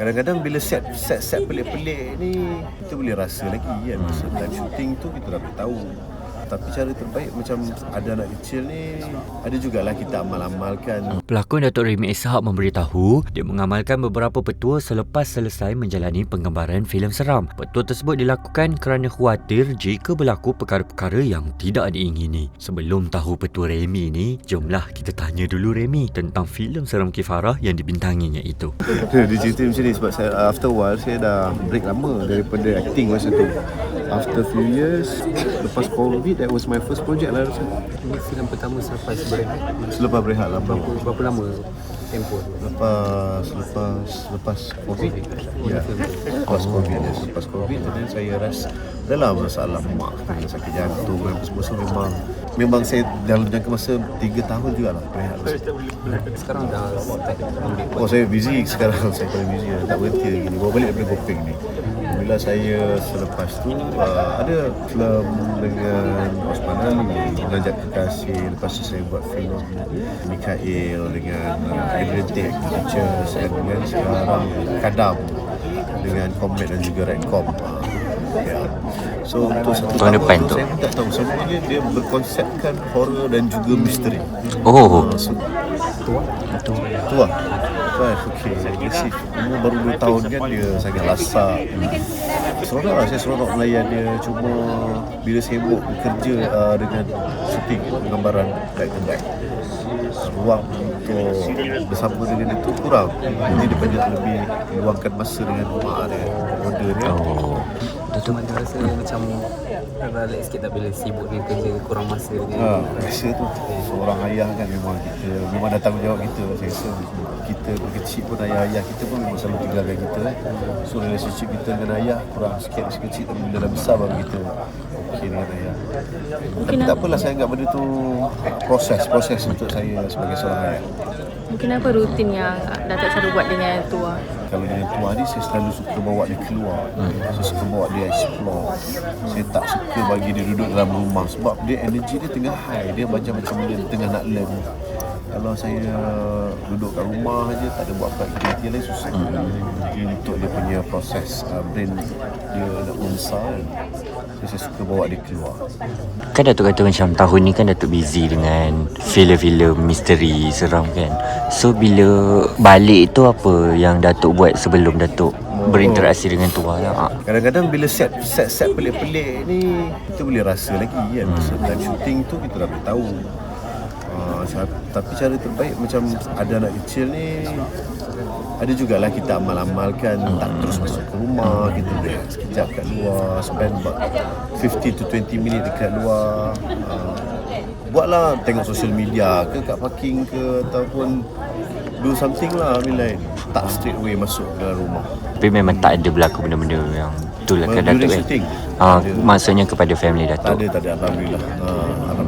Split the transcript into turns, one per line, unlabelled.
Kadang-kadang bila set pelik-pelik ni kita boleh rasa lagi kan. Masa time shooting tu kita dah tahu. Tapi cara terbaik macam ada anak kecil ni, ada jugalah kita amal-amalkan.
Pelakon Datuk Remy Ishak memberitahu dia mengamalkan beberapa petua selepas selesai menjalani penggambaran filem seram. Petua tersebut dilakukan kerana khawatir jika berlaku perkara-perkara yang tidak diingini. Sebelum tahu petua Remy ni, jomlah kita tanya dulu Remy tentang filem seram Kifarah yang dibintanginya itu.
Dia cerita macam ni sebab saya, after a while saya dah break lama daripada acting masa tu. After few years, lepas COVID, that was my first project lah rasa.
Ini filem pertama selepas berehat.
Selepas berehat lama.
Berapa lama tempoh tu?
Lepas COVID. Ya. Lepas COVID dan saya rasa dalam masalah mak kena sakit jantung dan semua memang saya dalam jangka masa 3 tahun jugalah berehat.
Sekarang dah start ambil.
Oh, saya busy sekarang. Saya paling busy. Tak berhenti lagi. Bawa balik daripada Kopeng ni. Bila saya selepas tu ada filem dengan Osman Ali, Mengajak Kekasih. Lepas tu saya buat filem Mikael dengan Adrian Pictures, dan sekarang Kadam dengan Comet dan juga Redcom. Ya. So untuk satu tahun
depan tu
saya pun tak tahu, sebenarnya dia berkonsepkan horror dan juga misteri. So, Tua. Okey, agresif. Umur baru 2 tahun kan, dia sangat lasak. Seronok lah, saya seronok melayan dia. Cuma bila sibuk bekerja dengan shooting gambaran back to back, ruang untuk bersama dengan itu kurang. Jadi dia banyak lebih luangkan masa dengan mak dia, model dia.
Datuk ada rasa macam balik sikit tak bila sibuk dengan kerja, kurang masa dengan
Rasa tu seorang ayah kan memang dah tanggungjawab kita. Saya rasa kita kecil pun ayah kita pun memang selalu tinggalkan kita. So relationship kita dengan ayah kurang sikit masa kecil, tapi bila dah besar baru kita okey dengan ayah. Tapi tak apalah, saya anggap benda tu proses untuk saya sebagai seorang ayah.
Mungkin apa rutin yang Datuk selalu buat dengan Tua?
Kalau dengan Tua ni saya selalu suka bawa dia keluar. Saya suka bawa dia explore. Saya tak suka bagi dia duduk dalam rumah sebab dia energy dia tengah high. Dia macam dia tengah nak learn. Kalau saya duduk kat rumah aja, tak ada buat apa aktiviti lain, susah. Jadi untuk dia punya proses brain dia nak membesar, saya suka bawa dia keluar.
Kan Datuk kata macam tahun ni kan Datuk busy dengan filem-filem misteri seram kan. So bila balik tu apa yang Datuk buat sebelum Datuk berinteraksi dengan Tua lah?
Kadang-kadang bila set pelik-pelik ni kita boleh rasa lagi kan. Masa time shooting tu kita dah tahu. Tapi cara terbaik macam ada anak kecil ni, ada jugalah kita amal-amalkan. Tak terus masuk ke rumah, kita boleh sekejap kat luar, spend about 15 to 20 minit dekat luar. Buatlah, tengok social media ke kat parking ke, ataupun do something lah lain. Tak straight away masuk ke dalam rumah.
Tapi memang tak ada berlaku benda-benda yang betul lah kan Datuk
shooting,
maksudnya kepada family Datuk?
Tak ada, Alhamdulillah.